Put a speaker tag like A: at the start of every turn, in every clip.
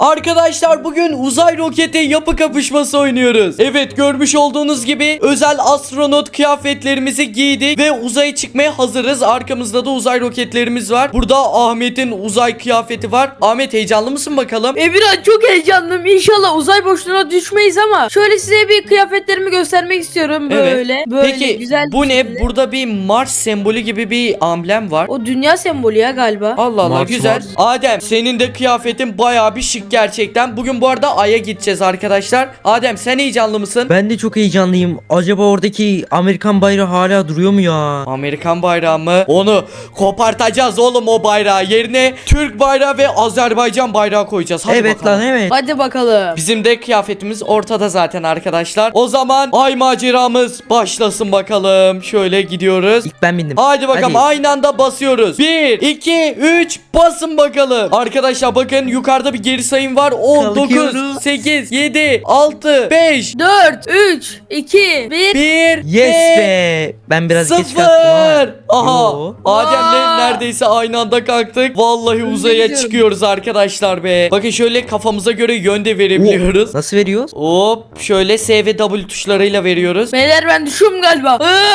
A: Arkadaşlar bugün uzay roketi yapı kapışması oynuyoruz. Evet, görmüş olduğunuz gibi özel astronot kıyafetlerimizi giydik ve uzaya çıkmaya hazırız. Arkamızda da uzay roketlerimiz var. Burada Ahmet'in uzay kıyafeti var. Ahmet, heyecanlı mısın bakalım?
B: Emirhan, çok heyecanlıyım. İnşallah uzay boşluğuna düşmeyiz ama şöyle size bir kıyafetlerimi göstermek istiyorum. Böyle.
A: Peki
B: güzel
A: bu
B: bir
A: ne?
B: şekilde.
A: Burada bir Mars sembolü gibi bir amblem var.
B: O dünya sembolü ya galiba.
A: Allah Allah,
C: Mars,
A: güzel.
C: Mars.
A: Adem, senin de kıyafetin bayağı bir şık gerçekten. Bugün bu arada Ay'a gideceğiz arkadaşlar. Adem, sen heyecanlı mısın?
C: Ben de çok heyecanlıyım. Acaba oradaki Amerikan bayrağı hala duruyor mu ya?
A: Amerikan bayrağı mı? Onu kopartacağız oğlum, o bayrağı. Yerine Türk bayrağı ve Azerbaycan bayrağı koyacağız. Hadi
C: Evet
A: bakalım.
C: lan, evet.
B: Hadi bakalım.
A: Bizim de kıyafetimiz ortada zaten arkadaşlar. O zaman Ay maceramız başlasın bakalım. Şöyle gidiyoruz.
C: İlk ben bindim.
A: Haydi bakalım,
C: Hadi.
A: aynı anda basıyoruz. 1, 2, 3 basın bakalım. Arkadaşlar bakın, yukarıda bir geri sayım var. 10, 9,
C: Kalkıyoruz.
A: 8, 7, 6, 5,
B: 4, 3, 2, 1.
A: 1
C: Yes be. Ben biraz geç
A: 0.
C: kalktım ama.
A: Aha.
C: Yo.
A: Adem'le
B: Aa.
A: neredeyse aynı anda kalktık. Vallahi uzaya
B: gidiyorum.
A: çıkıyoruz arkadaşlar be. Bakın şöyle kafamıza göre yön de verebiliyoruz.
C: Nasıl veriyoruz?
A: Hop, şöyle S ve W tuşlarıyla veriyoruz.
B: Beyler, ben düşüyorum galiba.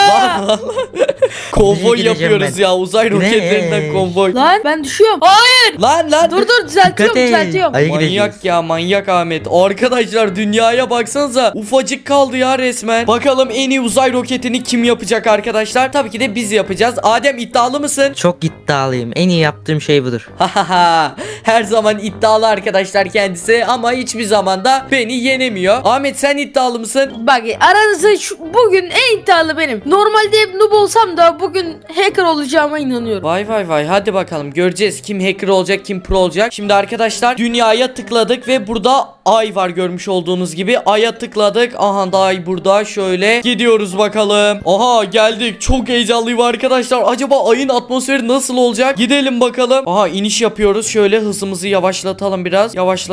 A: Konvoy
C: Nereye gideceğim
A: yapıyoruz
C: ben?
A: ya, uzay roketlerinden
C: Ne?
A: konvoy.
B: Lan ben düşüyorum. Hayır.
A: Lan.
B: Dur düzeltiyorum
C: Dikkat et.
B: düzeltiyorum.
C: Ay'a
A: Manyak
C: gideceğiz.
A: ya, manyak Ahmet. Arkadaşlar dünyaya baksanıza, ufacık kaldı ya resmen. Bakalım en iyi uzay roketini kim yapacak arkadaşlar? Tabii ki de biz yapacağız. Adem, iddialı mısın?
C: Çok iddialıyım. En iyi yaptığım şey budur.
A: Hahaha. Her zaman iddialı arkadaşlar kendisi ama hiçbir zaman da beni yenemiyor. Ahmet, sen iddialı mısın?
B: Bak, aranızda bugün en iddialı benim. Normalde hep noob olsam da bugün hacker olacağıma inanıyorum.
A: Vay vay vay, hadi bakalım göreceğiz kim hacker olacak, kim pro olacak. Şimdi arkadaşlar dünyaya tıkladık ve burada ay var, görmüş olduğunuz gibi. Ay'a tıkladık. Aha da ay burada, şöyle gidiyoruz bakalım. Aha, geldik. Çok heyecanlıyım arkadaşlar. Acaba ayın atmosferi nasıl olacak? Gidelim bakalım. Aha, iniş yapıyoruz. Şöyle hızımızı yavaşlatalım biraz.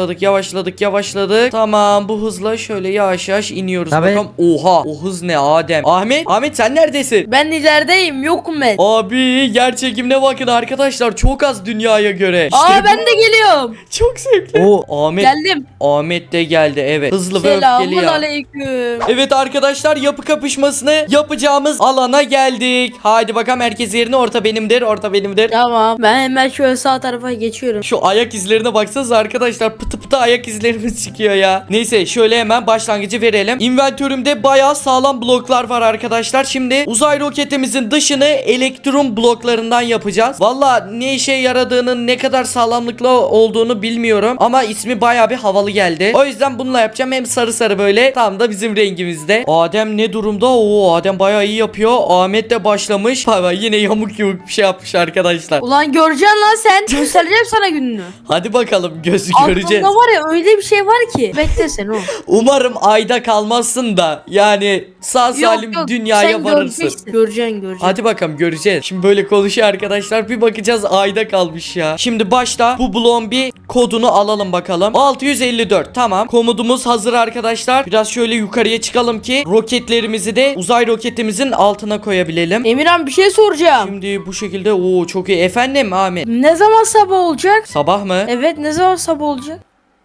A: Yavaşladık. Tamam, bu hızla şöyle yavaş yavaş iniyoruz
C: Tabii.
A: bakalım. Oha, o hız ne Adem? Ahmet sen neredesin?
B: Ben ilerideyim, yokum ben.
A: Abi, yer çekimine bakın arkadaşlar, çok az dünyaya göre. İşte
B: Ben de geliyorum.
A: çok zevkli.
C: O
B: Geldim.
A: Ahmet de geldi, evet. Hızlı ve öfkeli
B: Selamun
A: ya.
B: aleyküm.
A: Evet arkadaşlar, yapı kapışmasını yapacağımız alana geldik. Haydi bakalım, herkes yerine, orta benimdir.
B: Tamam, ben hemen şöyle sağ tarafa geçiyorum.
A: Şu ayak izlerine baksanıza arkadaşlar, pıtı pıtı ayak izlerimiz çıkıyor ya. Neyse, şöyle hemen başlangıcı verelim. İnventörümde bayağı sağlam bloklar var arkadaşlar. Şimdi uzay roketimizin dışını elektron bloklarından yapacağız. Valla ne işe yaradığının, ne kadar sağlamlıklı olduğunu bilmiyorum ama ismi bayağı bir havalı geldi. O yüzden bununla yapacağım, hem sarı sarı böyle, tam da bizim rengimizde. Adem ne durumda? Oo, Adem bayağı iyi yapıyor. Ahmet de başlamış. Vay, yine yamuk yumuk bir şey yapmış arkadaşlar.
B: Ulan göreceksin lan sen. Göstereceğim sana gününü.
A: Hadi bakalım, göreceğiz.
B: Aklımda var ya öyle bir şey var ki. Bekle sen o.
A: Umarım ayda kalmazsın da, yani sağ salim dünyaya
B: sen
A: varırsın.
B: Göreceksin.
A: Hadi bakalım, göreceğiz. Şimdi böyle konuşuyor arkadaşlar, bir bakacağız ayda kalmış ya. Şimdi başta bu bloğun bir kodunu alalım bakalım. 654, tamam. Komodumuz hazır arkadaşlar. Biraz şöyle yukarıya çıkalım ki roketlerimizi de uzay roketimizin altına koyabilelim.
B: Emirhan, bir şey soracağım.
A: Şimdi bu şekilde, oo çok iyi. Efendim Ahmet?
B: Ne zaman sabah olacak?
A: Sabah mı?
B: Evet, ne zaman sabah olacak?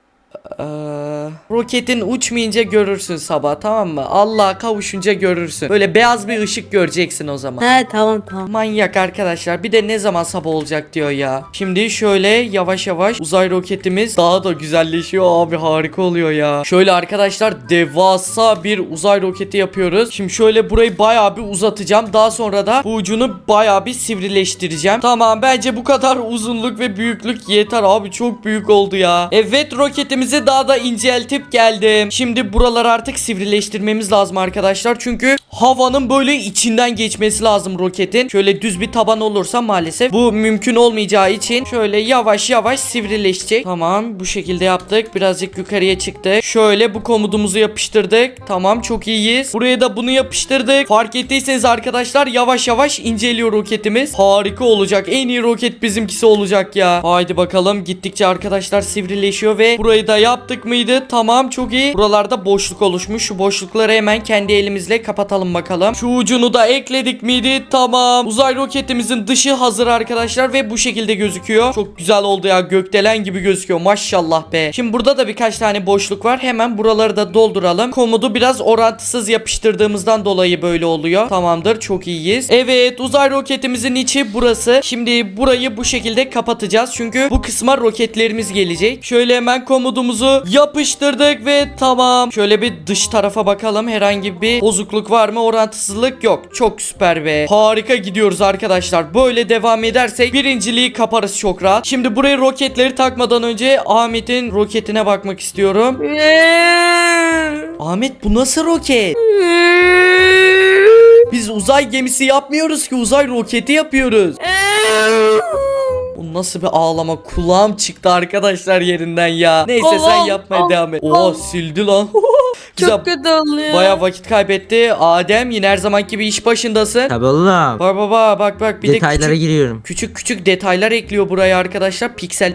A: Ee, roketin uçmayınca görürsün sabah, tamam mı? Allah'a kavuşunca görürsün. Böyle beyaz bir ışık göreceksin o zaman.
B: He, tamam.
A: Manyak arkadaşlar, bir de ne zaman sabah olacak diyor ya. Şimdi şöyle yavaş yavaş uzay roketimiz daha da güzelleşiyor abi, harika oluyor ya. Şöyle arkadaşlar, devasa bir uzay roketi yapıyoruz. Şimdi şöyle burayı bayağı bir uzatacağım, daha sonra da bu ucunu bayağı bir sivrileştireceğim. Tamam, bence bu kadar uzunluk ve büyüklük yeter abi, çok büyük oldu ya. Evet, roketimizi daha da inceltip geldim. Şimdi buraları artık sivrileştirmemiz lazım arkadaşlar, çünkü havanın böyle içinden geçmesi lazım roketin. Şöyle düz bir taban olursa maalesef bu mümkün olmayacağı için şöyle yavaş yavaş sivrileşecek. Tamam, bu şekilde yaptık. Birazcık yukarıya çıktı. Şöyle bu komutumuzu yapıştırdık. Tamam, çok iyiyiz. Buraya da bunu yapıştırdık. Fark ettiyseniz arkadaşlar, yavaş yavaş inceliyor roketimiz. Harika olacak. En iyi roket bizimkisi olacak ya. Haydi bakalım, gittikçe arkadaşlar sivrileşiyor ve burayı da yaptık mıydı? Tamam, çok iyi. Buralarda boşluk oluşmuş. Şu boşlukları hemen kendi elimizle kapatalım yapalım bakalım. Şu ucunu da ekledik miydi? Tamam. Uzay roketimizin dışı hazır arkadaşlar ve bu şekilde gözüküyor. Çok güzel oldu ya. Gökdelen gibi gözüküyor. Maşallah be. Şimdi burada da birkaç tane boşluk var. Hemen buraları da dolduralım. Komodu biraz orantısız yapıştırdığımızdan dolayı böyle oluyor. Tamamdır. Çok iyiyiz. Evet. Uzay roketimizin içi burası. Şimdi burayı bu şekilde kapatacağız. Çünkü bu kısma roketlerimiz gelecek. Şöyle hemen komodumuzu yapıştırdık ve tamam. Şöyle bir dış tarafa bakalım. Herhangi bir bozukluk var mı? Orantısızlık yok. Çok süper be. Harika gidiyoruz arkadaşlar. Böyle devam edersek birinciliği kaparız çok rahat. Şimdi buraya roketleri takmadan önce Ahmet'in roketine bakmak istiyorum. Ahmet bu nasıl roket? Biz uzay gemisi yapmıyoruz ki, uzay roketi yapıyoruz. Bu nasıl bir ağlama? Kulağım çıktı arkadaşlar yerinden ya. Neyse sen
B: Allah'ım,
A: yapmaya devam et. Oha sildi lan. Güzel.
B: Çok kötü oluyor.
A: Baya vakit kaybetti. Adem yine her zamanki gibi iş başındasın.
C: Tabii oğlum.
A: Bak baba bak bir
C: Detaylara
A: de
C: giriyorum.
A: küçük detaylar ekliyor buraya arkadaşlar. Piksel.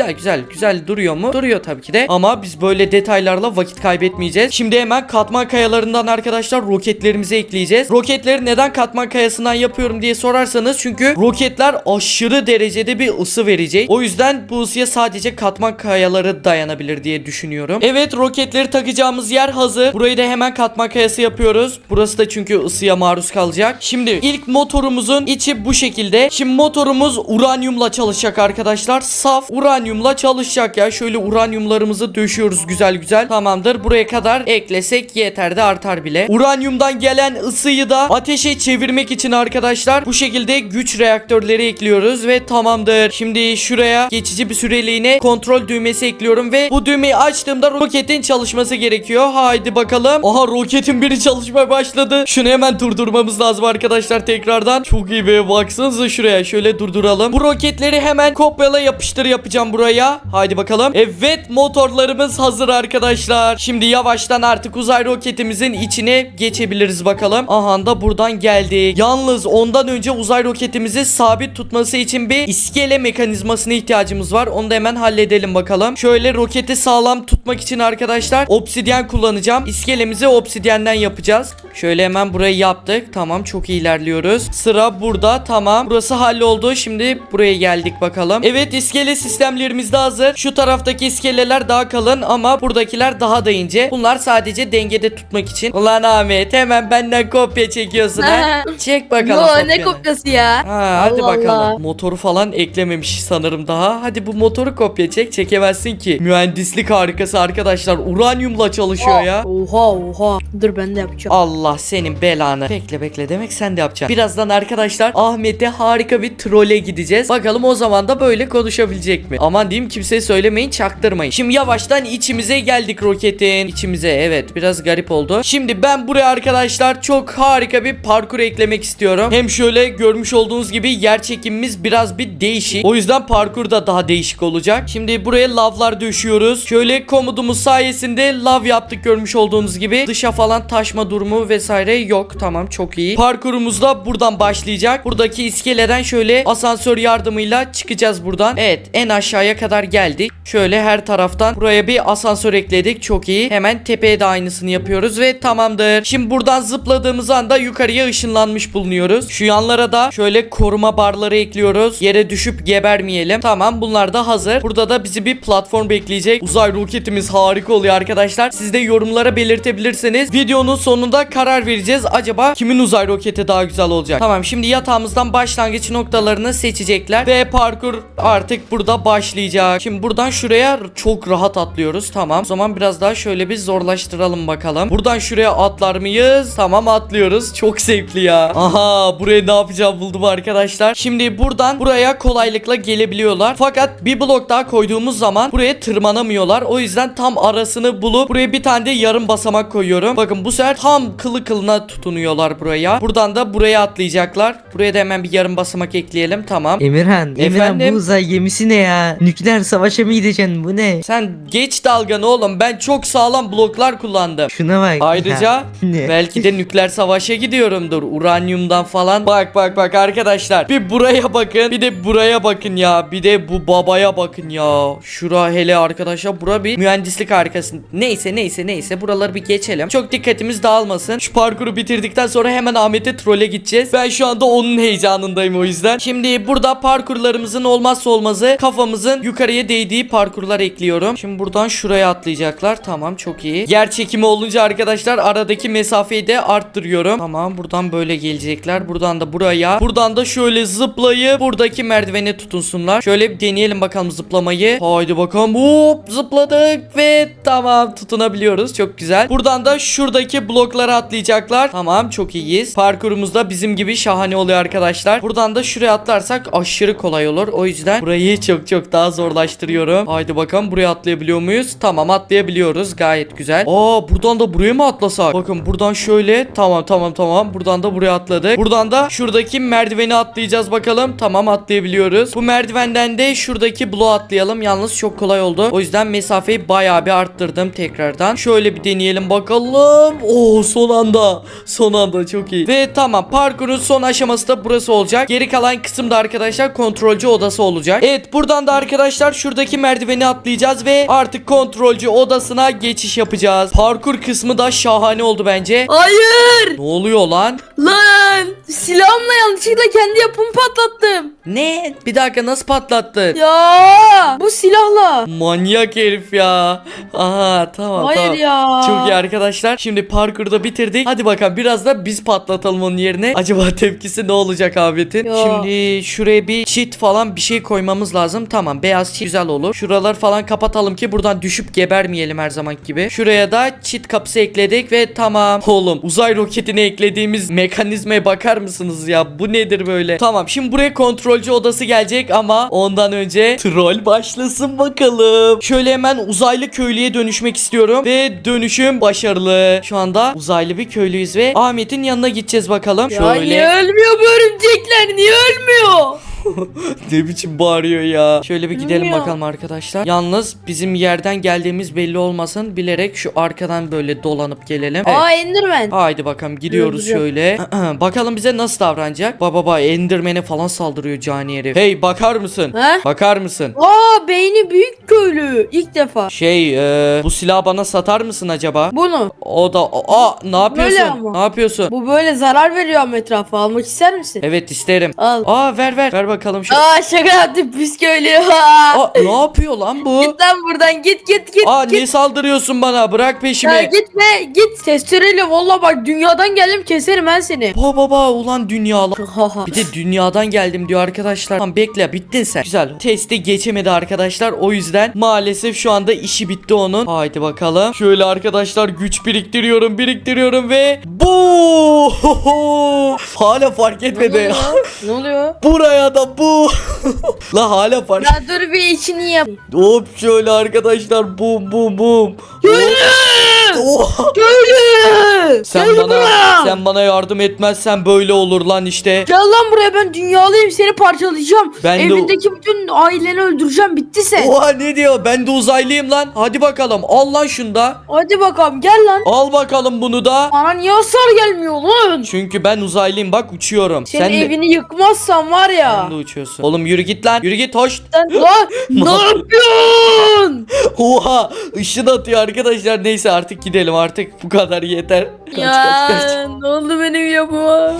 A: Güzel duruyor mu? Duruyor tabii ki de. Ama biz böyle detaylarla vakit kaybetmeyeceğiz. Şimdi hemen katman kayalarından arkadaşlar roketlerimizi ekleyeceğiz. Roketleri neden katman kayasından yapıyorum diye sorarsanız, çünkü roketler aşırı derecede bir ısı verecek. O yüzden bu ısıya sadece katman kayaları dayanabilir diye düşünüyorum. Evet, roketleri takacağımız yer hazır. Burayı da hemen katman kayası yapıyoruz. Burası da çünkü ısıya maruz kalacak. Şimdi ilk motorumuzun içi bu şekilde. Şimdi motorumuz uranyumla çalışacak arkadaşlar. Saf uranyumla çalışacak ya. Şöyle uranyumlarımızı döşüyoruz güzel. Tamamdır. Buraya kadar eklesek yeter de artar bile. Uranyumdan gelen ısıyı da ateşe çevirmek için arkadaşlar bu şekilde güç reaktörleri ekliyoruz ve tamamdır. Şimdi şuraya geçici bir süreliğine kontrol düğmesi ekliyorum ve bu düğmeyi açtığımda roketin çalışması gerekiyor. Haydi bakalım. Aha, roketin biri çalışmaya başladı. Şunu hemen durdurmamız lazım arkadaşlar tekrardan. Çok iyi be, baksanıza şuraya. Şöyle durduralım. Bu roketleri hemen kopyala yapıştır yapacağım buraya. Haydi bakalım. Evet, motorlarımız hazır arkadaşlar. Şimdi yavaştan artık uzay roketimizin içine geçebiliriz bakalım. Aha da buradan geldik. Yalnız ondan önce uzay roketimizi sabit tutması için bir iskele mekanizmasına ihtiyacımız var. Onu da hemen halledelim bakalım. Şöyle roketi sağlam tutmak için arkadaşlar obsidyen kullanacağım. İskelemizi obsidyenden yapacağız. Şöyle hemen burayı yaptık. Tamam, çok iyi ilerliyoruz. Sıra burada. Tamam. Burası halloldu. Şimdi buraya geldik bakalım. Evet, iskele sistemlerimiz de hazır. Şu taraftaki iskeleler daha kalın ama buradakiler daha da ince. Bunlar sadece dengede tutmak için. Ulan Ahmet, hemen benden kopya çekiyorsun ha. Çek bakalım.
B: Yo,
A: kopyanı.
B: ne kopyası ya?
A: Ha, hadi
B: Allah
A: bakalım.
B: Allah.
A: Motoru falan eklememiş sanırım daha. Hadi bu motoru kopya çek. Çekemezsin ki. Mühendislik harikası arkadaşlar. Uranyumla çalışıyor ya.
B: Oha. Dur ben de yapacağım.
A: Allah senin belanı. Bekle demek sen de yapacaksın. Birazdan arkadaşlar Ahmet'e harika bir trole gideceğiz. Bakalım o zaman da böyle konuşabilecek mi? Aman diyeyim, kimseye söylemeyin, çaktırmayın. Şimdi yavaştan içimize geldik roketin. İçimize, evet, biraz garip oldu. Şimdi ben buraya arkadaşlar çok harika bir parkur eklemek istiyorum. Hem şöyle görmüş olduğunuz gibi yer çekimimiz biraz bir değişik. O yüzden parkur da daha değişik olacak. Şimdi buraya lavlar döşüyoruz. Şöyle komodumuz sayesinde lav yaptık görmüş olduğunuz gibi. Dışa falan taşma durumu vesaire yok. Tamam, çok iyi. Parkurumuz da buradan başlayacak. Buradaki iskeleden şöyle asansör yardımıyla çıkacağız buradan. Evet, en aşağıya kadar geldik. Şöyle her taraftan buraya bir asansör ekledik. Çok iyi. Hemen tepeye de aynısını yapıyoruz ve tamamdır. Şimdi buradan zıpladığımız anda yukarıya ışınlanmış bulunuyoruz. Şu yanlara da şöyle koruma barları ekliyoruz. Yere düşüp gebermeyelim. Tamam, bunlar da hazır. Burada da bizi bir platform bekleyecek. Uzay roketimiz harika oluyor arkadaşlar. Siz de yorumlara belirtebilirseniz videonun sonunda karar vereceğiz. Acaba kimin uzay roketi daha güzel olacak? Tamam, şimdi yatağımızdan başlangıç noktalarını seçecekler ve parkur artık burada başlayacak. Şimdi buradan şuraya çok rahat atlıyoruz. Tamam. O zaman biraz daha şöyle bir zorlaştıralım bakalım. Buradan şuraya atlar mıyız? Tamam, atlıyoruz. Çok zevkli ya. Aha, buraya ne yapacağım buldum arkadaşlar. Şimdi buradan buraya kolaylıkla gelebiliyorlar. Fakat bir blok daha koyduğumuz zaman buraya tırmanamıyorlar. O yüzden tam arasını bulup buraya bir tane de yarım basamak koyuyorum. Bakın, bu sefer tam kılı kılına tutunuyorlar buraya. Buradan da buraya atlayacaklar. Buraya da hemen bir yarım basamak ekleyelim. Tamam.
C: Emirhan
A: Efendim?
C: bu uzay gemisi ne ya? Nükleer savaşa mı gideceksin? Bu ne?
A: Sen geç dalganı oğlum. Ben çok sağlam bloklar kullandım.
C: Şuna bak.
A: Ayrıca
C: Ya, ne?
A: belki de nükleer savaşa gidiyorumdur. Uranyumdan falan. Bak arkadaşlar. Bir buraya bakın. Bir de buraya bakın ya. Bir de bu babaya bakın ya. Şura hele arkadaşlar. Bura bir mühendislik harikası. Neyse. Neyse buraları bir geçelim. Çok dikkatimiz dağılmasın. Şu parkuru bitirdikten sonra hemen Ahmet'e trole gideceğiz. Ben şu anda onun heyecanındayım o yüzden. Şimdi burada parkurlarımızın olmazsa olmazı kafamızın yukarıya değdiği parkurlar ekliyorum. Şimdi buradan şuraya atlayacaklar. Tamam, çok iyi. Yer çekimi olunca arkadaşlar aradaki mesafeyi de arttırıyorum. Tamam, buradan böyle gelecekler. Buradan da buraya. Buradan da şöyle zıplayıp buradaki merdivene tutunsunlar. Şöyle bir deneyelim bakalım zıplamayı. Haydi bakalım. Hop, zıpladık ve tamam, tutunabiliyoruz. Çok güzel. Buradan da şuradaki bloklara atlayacaklar. Tamam, çok iyiyiz. Parkurumuz da bizim gibi şahane oluyor arkadaşlar. Buradan da şuraya atlarsak aşırı kolay olur. O yüzden burayı çok daha zorlaştırıyorum. Haydi bakalım, buraya atlayabiliyor muyuz? Tamam, atlayabiliyoruz. Gayet güzel. Buradan da buraya mı atlasak? Bakın buradan şöyle. Tamam. Buradan da buraya atladık. Buradan da şuradaki merdiveni atlayacağız bakalım. Tamam, atlayabiliyoruz. Bu merdivenden de şuradaki bloğa atlayalım. Yalnız çok kolay oldu. O yüzden mesafeyi bayağı bir arttırdım tekrardan. Şöyle bir deneyelim bakalım. Son anda çok iyi. Ve tamam, parkurun son aşaması da burası olacak. Geri kalan kısımda arkadaşlar kontrolcü odası olacak. Evet, buradan da arkadaşlar şuradaki merdiveni atlayacağız ve artık kontrolcü odasına geçiş yapacağız. Parkur kısmı da şahane oldu bence.
B: Hayır.
A: Ne oluyor lan?
B: Lan silahımla yanlışlıkla kendi yapımı patlattım.
A: Ne? Bir dakika, nasıl patlattın?
B: Ya bu silahla.
A: Manyak herif ya. Aha, tamam.
B: Hayır ya.
A: Çok iyi arkadaşlar. Şimdi parkurda bitirdik. Hadi bakalım biraz da biz patlatalım onun yerine. Acaba tepkisi ne olacak Ahmet'in?
B: Ya.
A: Şimdi şuraya bir çit falan bir şey koymamız lazım. Tamam, beyaz çit güzel olur. Şuralar falan kapatalım ki buradan düşüp gebermeyelim her zaman gibi. Şuraya da çit kapısı ekledik ve tamam. Oğlum, uzay roketine eklediğimiz mekanizmaya bakar mısınız ya? Bu nedir böyle? Tamam, şimdi buraya kontrolcü odası gelecek ama ondan önce troll başlasın bakalım. Şöyle hemen uzaylı köylüye dönüşmek istiyorum ve dönüşüm başarılı. Şu anda uzaylı bir köylüyüz ve Ahmet'in yanına gideceğiz bakalım.
B: Ya niye ölmüyor bu örümcekler? Niye ölmüyor?
A: Ne biçim bağırıyor ya. Şöyle bir gidelim
B: Bilmiyorum.
A: bakalım arkadaşlar. Yalnız bizim yerden geldiğimiz belli olmasın. Bilerek şu arkadan böyle dolanıp gelelim. Evet.
B: Enderman.
A: Haydi bakalım, gidiyoruz
B: Güzel.
A: şöyle. Bakalım bize nasıl davranacak. Baba Enderman'e falan saldırıyor cani herif. Hey, bakar mısın?
B: He?
A: Bakar mısın?
B: Beyni büyük köylü. İlk defa.
A: Bu silahı bana satar mısın acaba?
B: Bunu.
A: O da ne yapıyorsun?
B: Böyle ama.
A: Ne yapıyorsun?
B: Bu böyle zarar veriyor ama etrafa. Almak ister misin?
A: Evet, isterim.
B: Al.
A: Ver bakalım şu.
B: Şaka yaptım pis köylü.
A: Ne yapıyor lan bu?
B: Git lan buradan git.
A: Ne saldırıyorsun bana? Bırak peşimi.
B: Ya gitme git. Testereyle valla bak dünyadan geldim keserim ben seni.
A: Baba ulan dünyalar. Bir de dünyadan geldim diyor arkadaşlar. Tamam, bekle, bittin sen. Güzel. Testi geçemedi arkadaşlar. O yüzden maalesef şu anda işi bitti onun. Haydi bakalım. Şöyle arkadaşlar güç biriktiriyorum ve bu hala fark etmedi.
B: Ne oluyor?
A: Buraya da bu. La hala fark.
B: Ya dur bir içini yap.
A: Hop, şöyle arkadaşlar, bum. Oha.
B: Köylü.
A: Sen bana yardım etmezsen böyle olur lan işte.
B: Gel lan buraya ben dünyalıyım seni parçalayacağım.
A: Ben de-
B: Evindeki bütün aileni öldüreceğim bitti sen.
A: Oha, ne diyor? Ben de uzaylıyım lan. Hadi bakalım, al lan şunu da.
B: Hadi bakalım gel lan.
A: Al bakalım bunu da.
B: Bana niye hasar gelmiyor lan?
A: Çünkü ben uzaylıyım, bak uçuyorum.
B: Senin
A: Sen de,
B: evini yıkmazsan var ya.
A: sen de uçuyorsun. Oğlum yürü git lan. Yürü git, hoş.
B: Lan ne yapıyorsun?
A: Oha, ışın atıyor arkadaşlar. Neyse, artık gidelim, artık bu kadar yeter. Kaç.
B: Ne oldu benim yapıma?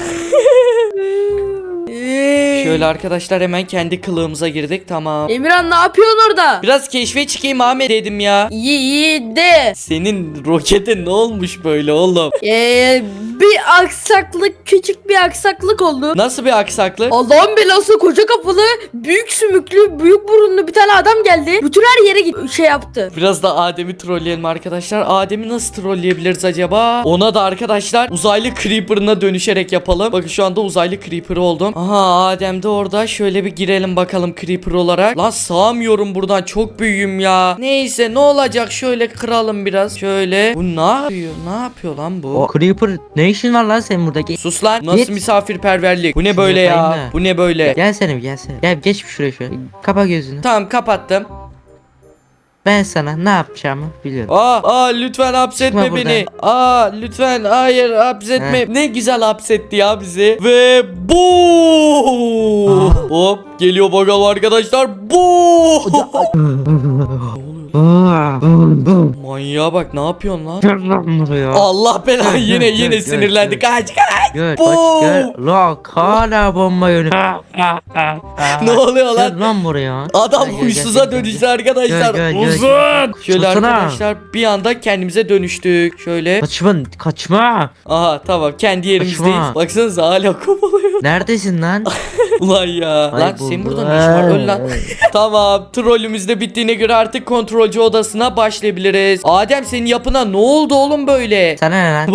A: Şöyle arkadaşlar hemen kendi kılığımıza girdik, tamam.
B: Emirhan ne yapıyorsun orada?
A: Biraz keşfe çıkayım Ahmet dedim ya.
B: İyi de.
A: Senin roketin ne olmuş böyle oğlum?
B: Bir aksaklık, küçük bir aksaklık oldu.
A: Nasıl bir aksaklık?
B: Allah'ın belası koca kafalı, büyük sümüklü, büyük burunlu bir tane adam geldi. Bütün her yere şey yaptı.
A: Biraz da Adem'i trolleyelim arkadaşlar. Adem'i nasıl trolleyebiliriz acaba? Ona da arkadaşlar uzaylı creeper'ına dönüşerek yapalım. Bakın şu anda uzaylı creeper oldum. Aha, Adem de orada. Şöyle bir girelim bakalım creeper olarak. Lan sığamıyorum buradan, çok büyüğüm ya. Neyse, ne olacak, şöyle kıralım biraz. Şöyle. Bu ne yapıyor? Ne yapıyor lan bu?
C: O Creeper ne işin var lan senin buradaki?
A: Sus lan. Nasıl
C: Git.
A: misafirperverlik? Bu ne
C: Şunu
A: böyle
C: yapayım
A: ya?
C: da.
A: Bu ne böyle?
C: Gelsene. Gel geç şuraya şöyle. Kapa gözünü.
A: Tamam, kapattım.
C: Ben sana ne yapacağımı biliyorum.
A: Lütfen hapsetme
C: Çıkma
A: beni. Lütfen, hayır, hapsetme. Ne güzel hapsetti ya bizi. Ve bu. Hop, geliyor bakalım arkadaşlar. Bu. Ne oluyor
C: Bum.
A: Manyağa bak, ne yapıyorsun lan?
C: Gel lan buraya.
A: Allah belanı,
C: Gel,
A: yine
C: gel,
A: sinirlendi.
C: gel.
A: Kaç.
C: Gel
A: Bu.
C: kaç gel. Lak hala bomba yönü.
A: Ne oluyor lan?
C: Gel lan buraya.
A: Adam
C: Gel, gel,
A: huysuza
C: gel, gel,
A: dönüştü arkadaşlar.
C: Gel, gel, gel,
A: Uzun.
C: gel.
A: Şöyle
C: Tutsana.
A: arkadaşlar bir anda kendimize dönüştük. Şöyle.
C: Kaçma.
A: Aha tamam, kendi yerimizdeyiz.
C: Kaçma.
A: Baksanıza hala kovalıyor.
C: Neredesin lan?
A: Ulan ya. Lan senin burada ne işin var? Öl lan. Tamam, trollümüz de bittiğine göre artık kontrolcü odasına başlayabiliriz. Adem, senin yapına ne oldu oğlum böyle?
C: Sana ne lan?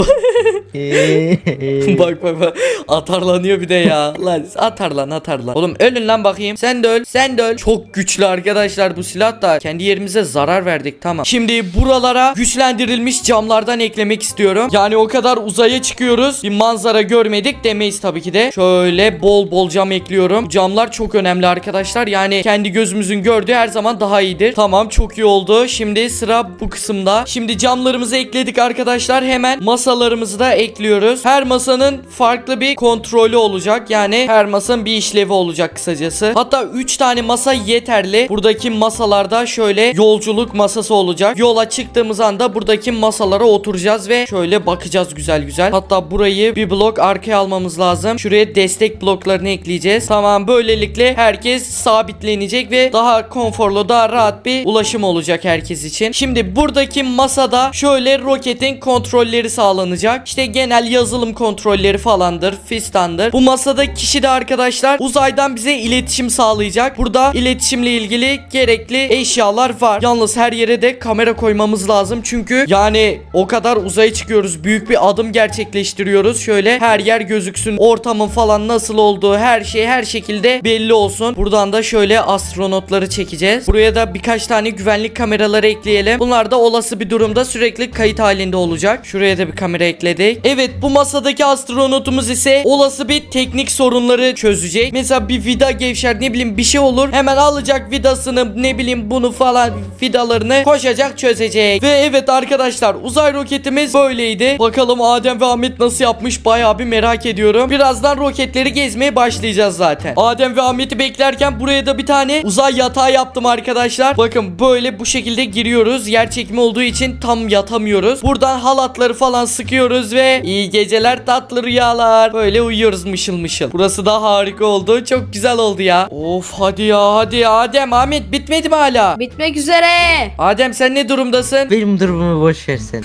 A: Bak atarlanıyor bir de ya. Lan atar lan. Oğlum ölün lan bakayım. Sen de öl. Çok güçlü arkadaşlar bu silah da. Kendi yerimize zarar verdik, tamam. Şimdi buralara güçlendirilmiş camlardan eklemek istiyorum. Yani o kadar uzaya çıkıyoruz, bir manzara görmedik demeyiz tabii ki de. Şöyle bol bol cam ekliyorum. Camlar çok önemli arkadaşlar. Yani kendi gözümüzün gördüğü her zaman daha iyidir. Tamam, çok iyi oldu. Şimdi sıra bu kısımda. Şimdi camlarımızı ekledik arkadaşlar. Hemen masalarımızı da ekliyoruz. Her masanın farklı bir kontrolü olacak. Yani her masanın bir işlevi olacak kısacası. Hatta 3 tane masa yeterli. Buradaki masalarda şöyle yolculuk masası olacak. Yola çıktığımız anda buradaki masalara oturacağız ve şöyle bakacağız güzel. Hatta burayı bir blok arkaya almamız lazım. Şuraya destek bloklarını ekleyeceğiz. Tamam, böylelikle herkes sabitlenecek ve daha konforlu, daha rahat bir ulaşım olacak herkes için. Şimdi buradaki masada şöyle roketin kontrolleri sağlanacak. İşte genel yazılım kontrolleri falandır, fistandır. Bu masada kişi de arkadaşlar uzaydan bize iletişim sağlayacak. Burada iletişimle ilgili gerekli eşyalar var. Yalnız her yere de kamera koymamız lazım. Çünkü yani o kadar uzaya çıkıyoruz. Büyük bir adım gerçekleştiriyoruz. Şöyle her yer gözüksün. Ortamın falan nasıl olduğu, her şey her şekilde belli olsun. Buradan da şöyle astronotları çekeceğiz. Buraya da birkaç tane güvenlik kameraları ekleyelim. Bunlar da olası bir durumda sürekli kayıt halinde olacak. Şuraya da bir kamera ekledik. Evet, bu masadaki astronotumuz ise olası bir teknik sorunları çözecek. Mesela bir vida gevşer, ne bileyim bir şey olur. Hemen alacak vidasını, ne bileyim bunu falan, vidalarını koşacak, çözecek. Ve evet arkadaşlar, uzay roketimiz böyleydi. Bakalım Adem ve Ahmet nasıl yapmış, bayağı bir merak ediyorum. Birazdan roketleri gezmeye başlayacağız zaten. Adem ve Ahmet'i beklerken buraya da bir tane uzay yatağı yaptım arkadaşlar. Bakın böyle bu şekilde giriyoruz. Yer çekimi olduğu için tam yatamıyoruz. Buradan halatları falan sıkıyoruz ve iyi geceler, tatlı rüyalar. Böyle uyuyoruz mışıl mışıl. Burası da harika oldu. Çok güzel oldu ya. Of hadi ya Adem, Ahmet bitmedi mi hala?
B: Bitmek üzere.
A: Adem sen ne durumdasın?
C: Benim durumumu boş versen.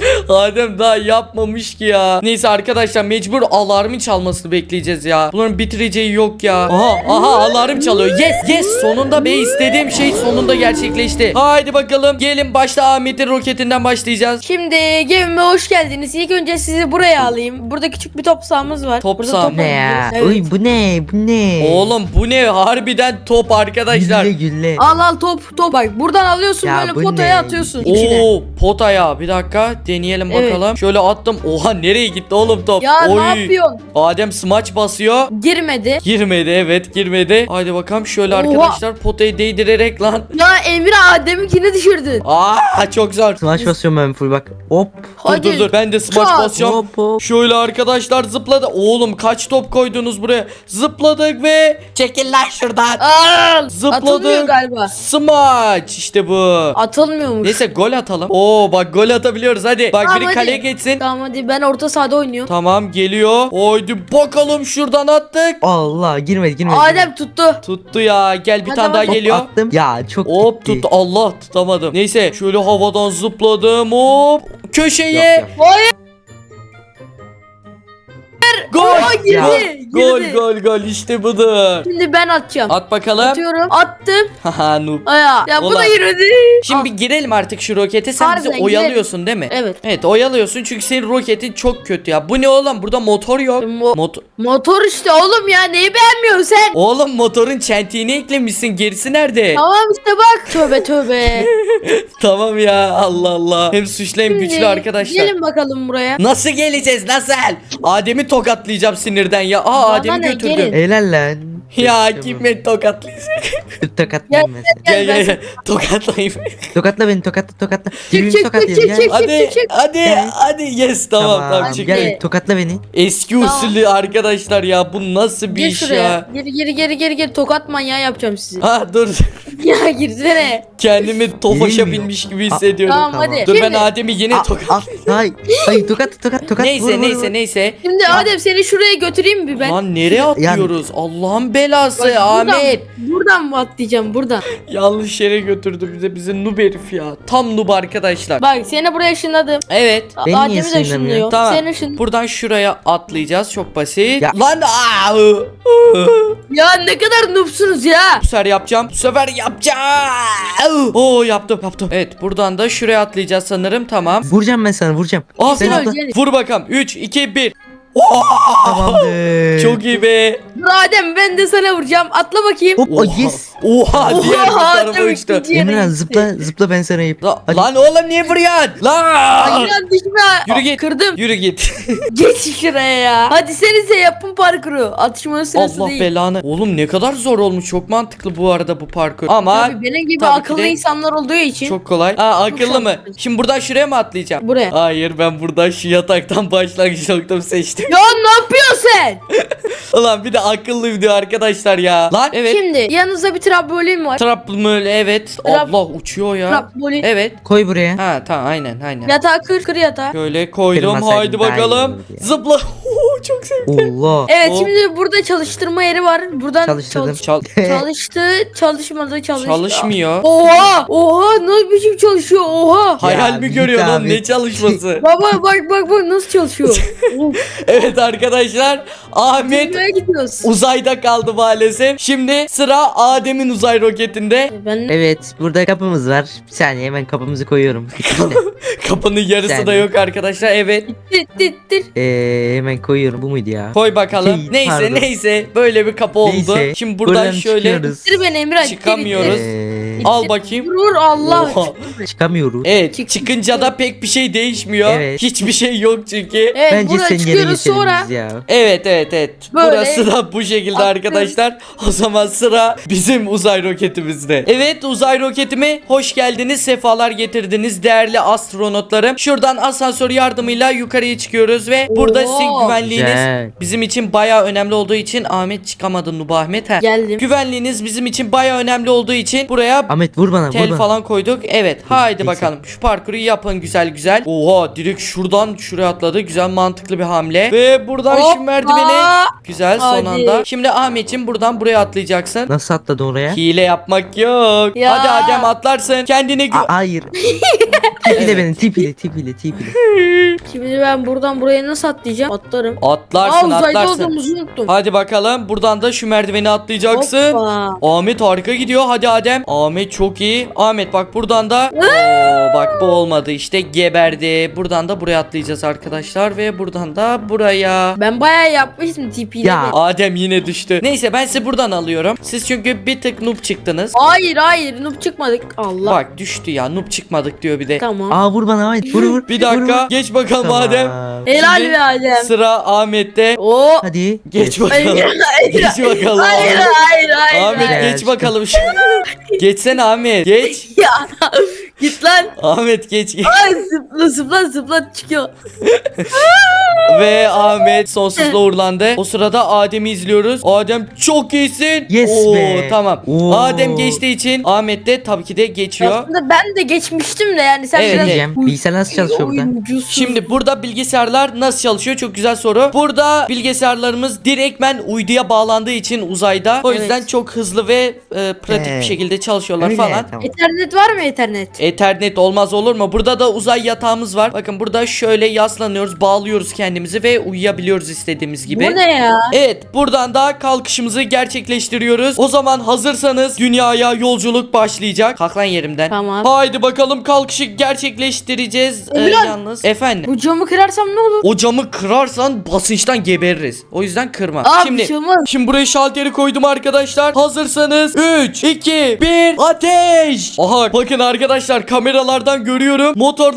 A: Adem daha yapmamış ki ya. Neyse arkadaşlar, mecbur alarmın çalmasını bekleyeceğiz ya. Bunların bitireceği yok ya. Aha alarm çalıyor. Yes sonunda be, istediğim şey sonunda gerçekleşti. Haydi bakalım, gelin başta Ahmet'in roketinden başlayacağız.
B: Şimdi gemime hoş geldiniz. İlk önce sizi buraya alayım. Burada küçük bir top sahamız var.
A: Top
B: Burada
A: saha
B: top
A: mı?
C: Ne
B: oynayacağız.
C: ya?
B: Evet.
C: Uy bu ne?
A: Oğlum bu ne, harbiden top arkadaşlar.
C: Gülle.
B: Al top bak. Buradan alıyorsun,
C: Ya
B: böyle
C: bu
B: potaya
C: ne?
B: atıyorsun içine.
A: Oo, potaya bir dakika deneyelim
B: Evet.
A: bakalım. Şöyle attım. Oha, nereye gitti oğlum top?
B: Ya
A: Oy.
B: ne yapıyorsun?
A: Adem smaç basıyor.
B: Girmedi.
A: Girmedi, evet girmedi. Haydi bakalım şöyle
B: Oha.
A: arkadaşlar, potayı değdirerek lan.
B: Ya Emre Adem'inkini düşürdün.
A: Çok zor.
C: Smash basıyorum ben full bak. Hop.
B: Hadi.
A: Dur ben de smaç
B: Çat.
A: basacağım.
C: Hop.
A: Şöyle arkadaşlar zıpladı. Oğlum kaç top koydunuz buraya? Zıpladık ve çekil lan şuradan.
B: Al.
A: Zıpladık.
B: Atılmıyor galiba.
A: Smaç işte bu.
B: Atılmıyormuş.
A: Neyse gol atalım. Oo bak, gol atabiliyoruz hadi. Bak
B: Tamam,
A: biri
B: hadi.
A: kaleye geçsin.
B: Tamam hadi, ben orta sahada oynuyorum.
A: Tamam geliyor. Haydi bakalım, şuradan attık.
C: Allah girmedi.
B: Adem tuttu.
A: Tuttu ya. Gel bir
B: Hadi
A: tane daha
B: hadi.
A: geliyor.
C: Attım. Ya çok
A: Hop
C: gitti.
A: tuttu. Allah, tutamadım. Neyse şöyle havadan zıpladım. Hop köşeye.
C: Yok.
B: Hayır.
A: Gol.
B: Aa, girdi.
C: Ya.
B: Girdi.
A: Gol işte budur.
B: Şimdi ben atacağım.
A: At bakalım.
B: Atıyorum. Attım.
A: Haha noob.
B: Aya. Ya bu
A: Ulan.
B: da girmedi.
A: Şimdi bir girelim artık şu rokete. Sen bizi
B: Harbiden
A: oyalıyorsun değil mi?
B: Evet.
A: Evet oyalıyorsun çünkü senin roketin çok kötü ya. Bu ne oğlum? Burada motor yok.
B: Motor işte oğlum ya, neyi beğenmiyorsun sen?
A: Oğlum motorun çentiğini eklemişsin. Gerisi nerede?
B: Tamam işte bak. Tövbe.
A: Tamam ya, Allah Allah. Hem suçlu hem güçlü
B: Şimdi
A: arkadaşlar.
B: Gelin bakalım buraya.
A: Nasıl geleceğiz? Nasıl? Adem'i tokatlayacağım sinirden ya.
B: Bana
A: Adem'i
B: ne,
A: götürdüm.
B: gelin.
C: Helal lan.
A: Ya kim beni tokatlayacak?
C: Tokatlayayım ben seni.
A: Gel
B: ben
A: gel gel. Tokatlayayım.
C: Tokatla beni tokatla.
B: Çık,
C: Birbirimizi
B: çık,
C: tokatlayalım,
B: çık,
C: gel.
B: çık.
A: Hadi
C: Gel.
A: hadi yes tamam tamam çık.
C: Gel tokatla beni.
A: Eski
B: Tamam.
A: usulü arkadaşlar ya bu nasıl bir
B: Gir
A: iş
B: şuraya.
A: ya?
B: Geri tokat manyağı yapacağım sizi.
A: Ha dur
B: Ya girsene.
A: kendimi Tofaş'a
C: Gelmiyor.
A: binmiş gibi hissediyorum.
B: Tamam,
C: Tamam.
B: hadi.
A: Dur ben
B: Şimdi,
A: Adem'i yine tokat.
C: Hayır tokat.
A: Neyse
C: Vur, vur,
A: neyse
C: vur.
A: neyse.
B: şimdi Adem seni şuraya götüreyim mi ben?
A: Lan nereye atlıyoruz? Allah'ın belası
B: Bak,
A: Ahmet.
B: Buradan mı atlayacağım buradan?
A: Yanlış yere götürdü bize noob herif ya. Tam noob arkadaşlar.
B: Bak seni buraya ışınladım.
A: Evet.
C: Beni niye
B: Adem'i de
C: ışınlamıyor?
B: ışınlıyor.
A: Tamam.
B: Seni ışın.
A: Buradan şuraya atlayacağız. Çok basit.
C: Ya.
A: Lan
B: Ya ne kadar noobsunuz ya.
A: Bu sefer yapacağım. Bu sefer yapacağım. Oo yaptım. Evet buradan da şuraya atlayacağız sanırım. Tamam.
C: Vuracağım ben sana vuracağım.
A: Ah,
B: Sen
C: Sen atla.
B: öleceksin.
A: vur bakalım. 3 2 1.
C: Tamamdır.
A: Çok iyi be.
B: Dur Adem ben de sana vuracağım. Atla bakayım.
C: Hop
A: Oha.
C: yes.
A: Oha diğer bir
B: Oha,
A: tarafa
B: tabii
A: uçtu.
B: ki.
C: Emirhan zıpla ben sana yapayım. Hadi.
A: Lan oğlum niye vuruyorsun? Lan.
B: Aynen düşme.
A: Yürü git.
B: Kırdım.
A: Yürü git.
B: Geç şuraya ya. Hadi senize yapın parkuru. Atışmanın sırası
A: Allah
B: değil.
A: belanı. Oğlum ne kadar zor olmuş. Çok mantıklı bu arada bu parkur. Ama
B: Tabii benim gibi
A: tabii ki
B: akıllı
A: de
B: insanlar olduğu için.
A: çok kolay. Ha akıllı mı?
B: şanslıyız.
A: Şimdi buradan şuraya mı atlayacağım?
B: Buraya.
A: Hayır ben buradan şu yataktan başlangıç noktamı seçtim.
B: Ya ne yapıyorsun sen?
A: Ulan bir de akıllı video arkadaşlar ya. Lan evet.
B: Şimdi yanınızda bir trambolin var.
A: Trapmül evet.
B: Trap-
A: Allah uçuyor ya.
B: Trambolin.
A: Evet.
C: Koy buraya.
A: Ha tamam aynen.
B: Yatağı kır yatağı.
A: Şöyle koydum.
C: Kırmasaydın
A: Haydi
C: daha iyi
A: bakalım.
C: olurdu ya.
A: Zıpla. Çok sevdim.
C: Allah.
B: Evet
A: O-
B: şimdi burada çalıştırma yeri var. Buradan
C: Çalıştırdım.
B: çalıştı, çalışmadı,
A: Çalışmıyor.
B: Oha, nasıl biçim çalışıyor? Oha.
A: Hayal
C: Ya
A: mi
C: git
A: görüyorsun oğlum?
C: abi.
A: Ne çalışması?
B: Baba bak nasıl çalışıyor. Of,
A: Evet arkadaşlar. Ahmet
B: dünyaya gidiyoruz.
A: uzayda kaldı maalesef. Şimdi sıra Adem'in uzay roketinde.
B: Ben
C: Evet burada kapımız var. Bir saniye hemen kapımızı koyuyorum. Bitti de.
A: Kapının yarısı da
C: Yani.
A: yok arkadaşlar. Evet.
B: tir.
C: Hemen koyuyorum. Bu muydu ya?
A: Koy bakalım.
C: Şey, pardon.
A: neyse. Böyle bir kapı oldu.
C: Neyse,
A: Şimdi buradan şöyle
C: çıkıyoruz.
B: Tir beni Emre.
A: Çıkamıyoruz.
C: Ee,
A: al bakayım.
B: Vur Allah.
A: Oha.
C: çıkamıyoruz.
A: Evet.
B: Çık-
A: Çıkınca da pek bir şey değişmiyor.
C: Evet.
A: Hiçbir şey yok çünkü.
B: Evet
C: Bence
B: buradan
C: sen geri
B: çıkıyoruz
C: geçelim
B: sonra.
C: biz ya.
A: Evet.
B: Böyle
A: Burası da bu şekilde
B: atlıyoruz.
A: arkadaşlar. O zaman sıra bizim uzay roketimizde. Evet uzay roketime hoş geldiniz. Sefalar getirdiniz değerli astronotlarım. Şuradan asansör yardımıyla yukarıya çıkıyoruz ve burada
B: Oo.
A: sizin güvenliğiniz
C: Güzel.
A: bizim için bayağı önemli olduğu için Ahmet çıkamadı Nubu Ahmet.
B: Geldim.
A: Güvenliğiniz bizim için bayağı önemli olduğu için buraya
C: Ahmet vur bana vur
A: tel
C: bana.
A: falan koyduk. Evet haydi
C: Neyse.
A: bakalım şu parkuru yapın güzel. Oha direkt şuradan şuraya atladı. Güzel mantıklı bir hamle. Ve buradan şu
B: Hoppa.
A: merdiveni güzel son
B: Hadi.
A: anda. Şimdi Ahmetciğim buradan buraya atlayacaksın.
C: Nasıl atladın oraya?
A: Hile yapmak yok.
B: Ya.
A: Hadi Adem atlarsın. Kendine
C: Hayır. Tipile benim tipile.
B: Şimdi ben buradan buraya nasıl atlayacağım? Atlarım.
A: atlarsın
B: uzayda
A: atlarsın.
B: olduğumuzu unuttum.
A: Hadi bakalım buradan da şu merdiveni atlayacaksın.
B: Hoppa.
A: Ahmet harika gidiyor. Hadi Adem. Ahmet çok iyi. Ahmet bak buradan da. Oo, bak bu olmadı işte geberdi. Buradan da buraya atlayacağız arkadaşlar ve buradan da buraya.
B: Ben bayağı yapmıştım tipiyle.
C: Ya.
B: de.
A: Adem yine düştü. Neyse ben sizi buradan alıyorum. Siz çünkü bir tık noob çıktınız.
B: Hayır noob çıkmadık. Allah.
A: Bak düştü ya. Noob çıkmadık diyor bir de.
B: Tamam.
C: Aa vur bana Ahmet vur.
A: Bir dakika. Geç bakalım
C: Tamam.
A: Adem.
B: Helal
A: Şimdi
B: be Adem.
A: Sıra Ahmet'te.
B: Oo.
C: Hadi.
A: Geç
B: Hayır,
A: bakalım.
B: hayır,
A: Geç bakalım.
B: hayır,
A: Ahmet.
B: hayır.
A: Ahmet
C: hayır.
A: geç bakalım. Geçsene Ahmet. Geç.
B: Ya git lan.
A: Ahmet geç.
B: Ay zıpla çıkıyor.
A: Ve Ahmet sonsuzla uğurlandı. O sırada Adem'i izliyoruz. Adem çok iyisin.
C: Yes
A: Oo,
C: be.
A: Tamam.
C: Oo.
A: Adem geçtiği için Ahmet de tabii ki de geçiyor.
B: Aslında ben de geçmiştim de yani sen
A: Evet,
B: biraz
C: Diyeceğim. Bilgisayar nasıl çalışıyor burada?
B: oyuncusun.
A: Şimdi burada bilgisayarlar nasıl çalışıyor? Çok güzel soru. Burada bilgisayarlarımız direktmen uyduya bağlandığı için uzayda. O yüzden
B: Evet.
A: çok hızlı ve pratik bir
C: Evet.
A: şekilde çalışıyorlar
C: Öyle,
A: falan.
C: tamam.
B: Ethernet var mı Ethernet?
A: Ethernet olmaz olur mu? Burada da uzay yatağımız var. Bakın burada şöyle yaslanıyoruz, bağlıyoruz kendimizi ve uyuyabiliyoruz istediğimiz gibi.
B: Bu ne ya?
A: Evet, buradan da kalkışımızı gerçekleştiriyoruz. O zaman hazırsanız dünyaya yolculuk başlayacak. Kalk lan yerimden.
B: Tamam.
A: Haydi bakalım kalkışı gerçekleştireceğiz.
B: Emirhan.
A: Yalnız. Efendim.
B: Bu camı kırarsam ne olur?
A: O camı kırarsan basınçtan gebeririz. O yüzden kırma.
B: Aa,
A: Şimdi
B: bir şey olmaz.
A: Şimdi buraya şalteri koydum arkadaşlar. Hazırsanız 3, 2, 1 ateş. Aha bakın arkadaşlar kameralardan görüyorum. Motorlarımız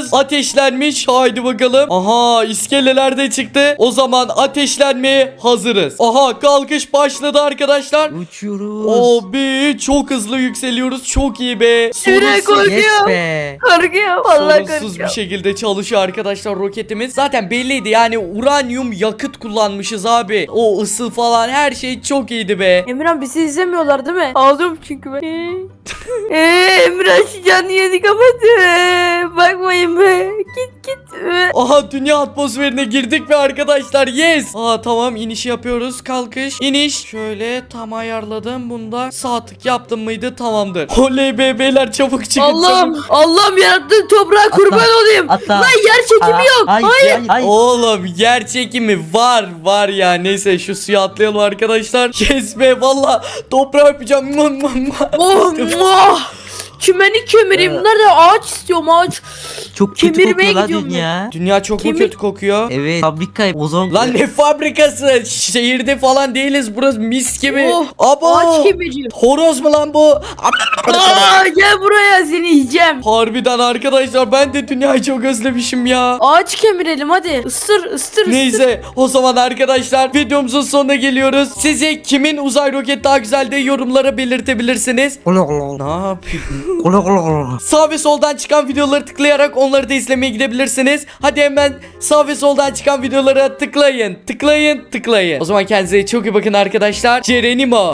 A: ateşlenmiş. Haydi bakalım. Aha iskeleler de çıktı. O zaman ateşlenmeye hazırız. Aha kalkış başladı arkadaşlar.
C: Uçuyoruz.
A: Abi çok hızlı yükseliyoruz. Çok iyi be.
B: Yürek
A: Sorunsuz,
B: koy-
C: Yes be.
B: Korkuyorum. Vallahi
A: sorunsuz bir
B: korkuyorum.
A: şekilde çalışıyor arkadaşlar roketimiz. Zaten belliydi yani uranyum yakıt kullanmışız abi. O ısı falan her şey çok iyiydi be.
B: Emirhan bizi izlemiyorlar değil mi? Ağlıyorum çünkü ben. Emirhan şu canlı yeni kapattı. Bakmayın be. Git.
A: Aha dünya atmosferine girdik be arkadaşlar. Yes. Aa tamam iniş yapıyoruz. Kalkış. İniş. Şöyle tam ayarladım. Bunda sağ tık yaptım mıydı? Tamamdır. Oley be beyler çabuk çıkın çabuk.
B: Allah'ım yarattığın toprağa kurban olayım.
C: Atla.
B: Lan yer çekimi yok.
C: Hayır.
A: Oğlum yer çekimi var ya. Neyse şu suya atlayalım arkadaşlar. Yes be valla toprağı öpeceğim.
B: Oh, muah. Çimeni kemireyim. Nerede ağaç istiyorum ağaç.
C: Çok kötü
B: Kemirmeye
C: kokuyor lan
B: gidiyorum
C: dünya.
A: Dünya çok mu
B: Kemik-
A: kötü kokuyor?
C: Evet fabrika ozon.
A: Lan ne fabrikası? Şehirde falan değiliz. Burası mis gibi.
B: Oh,
A: Abo.
B: ağaç kemireceğim.
A: Horoz mu lan bu?
B: Gel buraya seni yiyeceğim.
A: Harbiden arkadaşlar ben de dünyayı çok özlemişim ya.
B: Ağaç kemirelim hadi. Isır.
A: Neyse o zaman arkadaşlar videomuzun sonuna geliyoruz. Size kimin uzay roketi daha güzel de yorumlara belirtebilirsiniz. Ne yapıyorsun? Sağ ve soldan çıkan videoları tıklayarak onları da izlemeye gidebilirsiniz. Hadi hemen sağ ve soldan çıkan videolara tıklayın. O zaman kendinize çok iyi bakın arkadaşlar. Cerenimo.